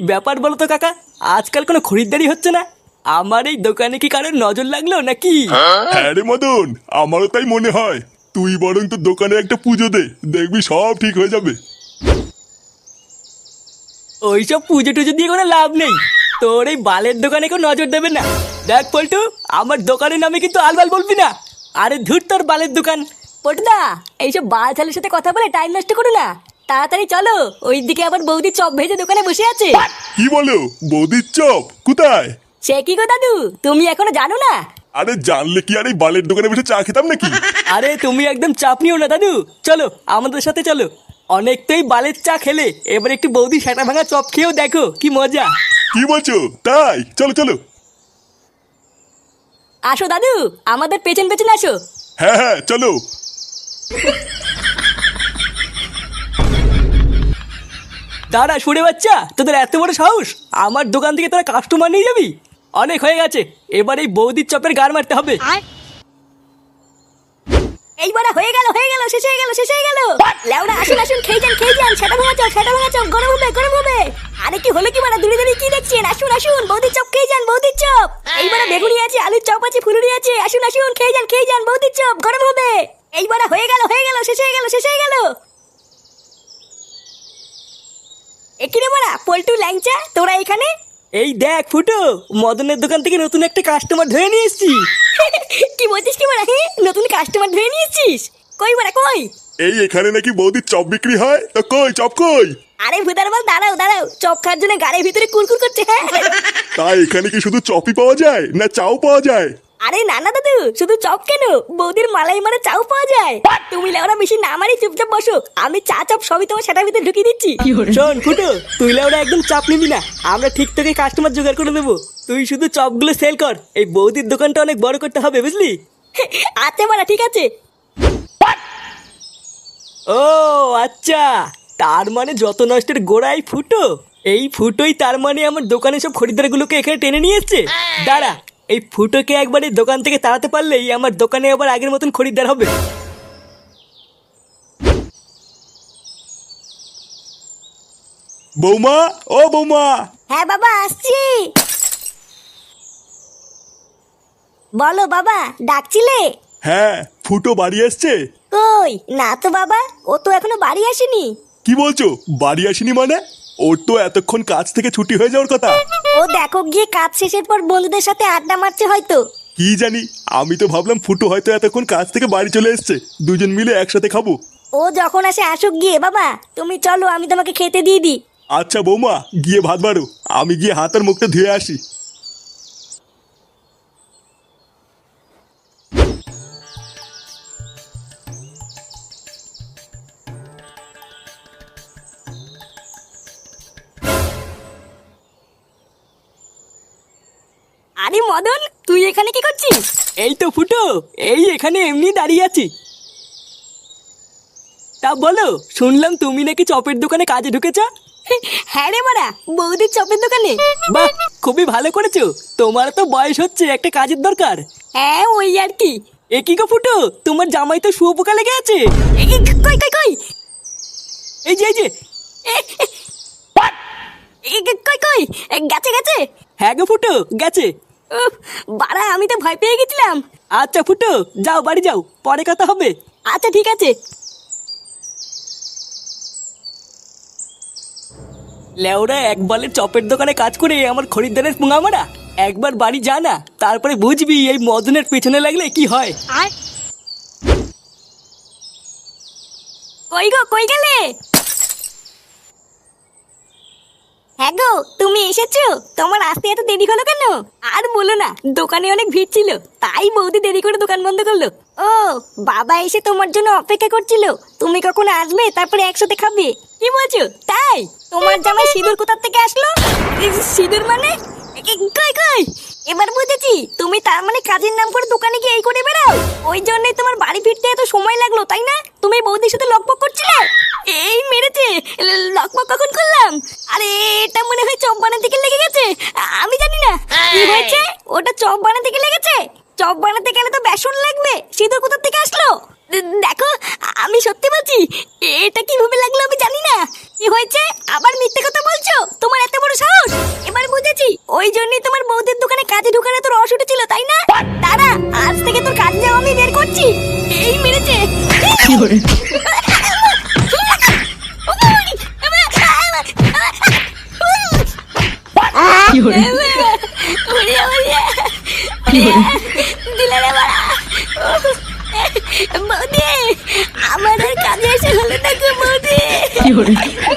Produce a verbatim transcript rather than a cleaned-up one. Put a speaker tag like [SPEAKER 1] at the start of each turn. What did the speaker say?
[SPEAKER 1] ব্যাপার বলো তো কাকা, আজকাল কোনো খরিদ্দারি হচ্ছে না। আমার এই দোকানে কি কারোর নজর লাগলো নাকি?
[SPEAKER 2] হ্যাঁ রে মদন, আমারও তাই মনে হয়। তুই বরং তোর দোকানে একটা পুজো দে, দেখবি সব ঠিক হয়ে যাবে।
[SPEAKER 1] ওইসব পুজো টুজো দিয়ে কোনো লাভ নেই। তোর এই বালের দোকানে কেউ নজর দেবে না। দেখ পল্টু, আমার দোকানের নামে কিন্তু আলবাল বলবি না। আরে ধুর তোর বালের দোকান।
[SPEAKER 3] পটুদা, এইসব বাল ছেলের সাথে কথা বলে টাইম নষ্ট করো না। তাড়াতাড়ি চলো, ওইদিকে আবার বৌদি চপ ভেজে দোকানে বসে আছে।
[SPEAKER 2] কি বলো, বৌদির চপ কোথায়?
[SPEAKER 3] সে কি গো দাদু, তুমি এখনো জানো না?
[SPEAKER 2] আরে জানলে কি আর এই বালের দোকানে বসে চা খেতাম নাকি?
[SPEAKER 1] আরে তুমি একদম চাপ নিও না দাদু, চলো আমাদের সাথে চলো। অনেক তো এই বালের চা খেলে, এবার একটু বৌদি সেটা ভাঙা চপ খেয়েও দেখো কি মজা।
[SPEAKER 2] কি বলছো? তাই চলো চলো।
[SPEAKER 3] আসো দাদু, আমাদের পেছন পেছন আসো।
[SPEAKER 2] হ্যাঁ হ্যাঁ চলো।
[SPEAKER 1] দাঁড়া সুরে বাচ্চা, তোদের এত বড় সাহস আমার দোকান থেকে তোরা কাস্টমার নিয়ে যাবি? অনেক হয়ে গেছে, এবার এই বৌদির চপের গার মারতে হবে।
[SPEAKER 3] এইবার হয়ে গেল হয়ে গেল শেষ হয়ে গেল শেষ হয়ে গেল। লেওড়া আসুন আসুন, খেয়ে যান খেয়ে যান, সেটা ভাঙা চপ সেটা ভাঙা চপ, গরম হবে গরম হবে। আরে কি হলো কি মানে, দূরে দূরে কি দেখছেন? আসুন আসুন, বৌদির চপ খেয়ে যান, বৌদির চপ। এইবার বেগুনি আছে, আলুর চপ আছে, ফুলুরি আছে, আসুন আসুন খেয়ে যান খেয়ে যান, বৌদির চপ গরম হবে। এইবার হয়ে গেল হয়ে গেল শেষ হয়ে গেল শেষ হয়ে গেল। এখানে মারা পল্টু ল্যাংচা, তোরা এখানে?
[SPEAKER 1] এই দেখ ফুটো, মদনের দোকান থেকে নতুন একটা কাস্টমার ধরে নিয়ে এসেছি।
[SPEAKER 3] কি বলছিস কি মারা? হ্যাঁ, নতুন কাস্টমার ধরে নিয়েছিস? কই মারা কই?
[SPEAKER 2] এই এখানে নাকি বৌদির চপ বিক্রি হয়, তো কই চপ কই?
[SPEAKER 3] আরে ভুদার বল, দাঁড়াও দাঁড়াও, চপ খাওয়ার জন্য গাড়ির ভিতরে কুরকুর করছে। হ্যাঁ
[SPEAKER 2] তাই এখানে কি শুধু চপই পাওয়া যায় না চাও পাওয়া যায়?
[SPEAKER 3] আরে না না দাদু, শুধু চপ কেন, বৌদির মালাই মারা চাও পাওয়া যায়। তুমি লেওরা বেশি না মারি চুপচাপ বসো, আমি চা চপ সবই তোমার সেটার ভিতরে ঢুকিয়ে দিচ্ছি।
[SPEAKER 1] শোন ফুটো, তুই ওরা একদম চাপ নিবি না, আমরা ঠিক তোকে কাস্টমার জোগাড় করে দেবো। তুই শুধু চপগুলো সেল কর, এই বৌদির দোকানটা অনেক বড় করতে হবে বুঝলি?
[SPEAKER 3] আচ্ছা মারা ঠিক আছে।
[SPEAKER 1] ও আচ্ছা, তার মানে যত নষ্টের গোড়াই ফুটো। এই ফুটোই তার মানে আমার দোকানে সব খরিদ্দারগুলোকে এখানে টেনে নিয়ে এসছে। দাঁড়া, এই ফুটোকে একবার এই দোকান থেকে তাড়াতে পারলেই আমার দোকানে আবার আগের মতন খরিদ্দার হবে।
[SPEAKER 2] বৌমা, ও বৌমা।
[SPEAKER 3] হ্যাঁ বাবা আসছি। বলো বাবা, ডাকছিলে?
[SPEAKER 2] হ্যাঁ, ফুটো বাড়ি আসছে?
[SPEAKER 3] কই না তো বাবা, ও তো এখনো বাড়ি আসেনি।
[SPEAKER 2] কি বলছো, বাড়ি আসেনি মানে? ওর তো এতক্ষণ কাজ থেকে ছুটি হয়ে যাওয়ার কথা।
[SPEAKER 3] ও দেখো গিয়ে কাজ শেষের পর বন্ধুদের সাথে আড্ডা মারছে হয়তো।
[SPEAKER 2] কি জানি, আমি তো ভাবলাম ফুটো হয়তো এতক্ষণ কাজ থেকে বাড়ি চলে এসছে, দুজন মিলে একসাথে খাবো।
[SPEAKER 3] ও যখন আসে আসুক গিয়ে, বাবা তুমি চলো আমি তোমাকে খেতে দিয়ে দিই।
[SPEAKER 2] আচ্ছা বৌমা, গিয়ে ভাত বাড়ো, আমি গিয়ে হাত আর মুখটা ধুয়ে আসি।
[SPEAKER 3] আরে মদন, তুই এখানে কি করছিস?
[SPEAKER 1] এই তো ফুটো, এই এখানে এমনি দাঁড়িয়ে আছি। তা বলো, শুনলাম তুমি নাকি চপের দোকানে কাজে ঢুকেছ?
[SPEAKER 3] হ্যাঁ রে মারা, বৌদির চপের দোকানে।
[SPEAKER 1] বাহ, খুবই ভালো করেছো। তোমার তো বয়স হচ্ছে, একটা কাজের দরকার।
[SPEAKER 3] হ্যাঁ ওই আর কি।
[SPEAKER 1] এ কি গো ফুটো, তোমার জামাই তো শুয়োপোকা লেগে আছে।
[SPEAKER 3] এ, এ, কই কই কই
[SPEAKER 1] এই যে এই যে।
[SPEAKER 3] এ, এ, এ, এ, কই কই এ, গেছে গেছে।
[SPEAKER 1] হ্যাঁ গো ফুটো, গেছে।
[SPEAKER 3] উফ, বাড়া আমি তো ভয় পেয়ে গেছিলাম।
[SPEAKER 1] আচ্ছা ফুটো, যাও বাড়ি যাও, পরে কথা হবে।
[SPEAKER 3] আচ্ছা ঠিক আছে।
[SPEAKER 1] লেওরা এক বালের চপের দোকানে কাজ করে আমার খরিদ্দারের পুঙা মারা। একবার বাড়ি যা না, তারপরে বুঝবি এই মদনের পেছনে লাগলে কি হয়।
[SPEAKER 3] আর কই গো কই গেলে? হ্যাঁ গো, তুমি এসেছো? তোমার আসতে এত দেরি হলো কেন? আর বলো না, দোকানে অনেক ভিড় ছিল, তাই বৌদি দেরি করে দোকান বন্ধ করলো। ও বাবা এসে তোমার জন্য অপেক্ষা করছিল, তুমি কখন আসবে তারপরে একসাথে খাবে। কি বলছো তাই? তোমার জামাই সিঁদুর কোথা থেকে আসলো? এ, সিঁদুর মানে? এ, এ, কই কই এবার বুঝেছি, তুমি তার মানে কাজের নাম করে দোকানে গিয়ে এই করে বেড়াও, ওই জন্যই তোমার বাড়ি ফিরতে এত সময় লাগলো তাই না? তুমি বৌদির সাথে লকপক করছিলে। এই মেরেছে, ল- লকপক কখন করলাম? আরে এটা মনে হয় চপ বানাতে গিয়ে লেগে গেছে, আ- আমি জানি না কি হয়েছে। ওটা চপ বানাতে গিয়ে লেগেছে? চপ বানাতে গেলে তো বেসন লাগবে, সিঁদুর কোথা থেকে আসলো? দে- দেখো আমি সত্যি বলছি, এটা কিভাবে লাগলো আমি জানি না। কি হয়েছে, আবার মিথ্যে কথা বলছো? তোমার এত বড় সাহস? কাজে ঢুকানো তোর রস উঠেছিল তাই না? দাঁড়া, আজ থেকে তোর কাজ যাওয়া আমি বের করছি। এই মেরেছে। দিলে রে বাড়া। বৌদি, আমার আর কাজে এসে হলো না গো বৌদি।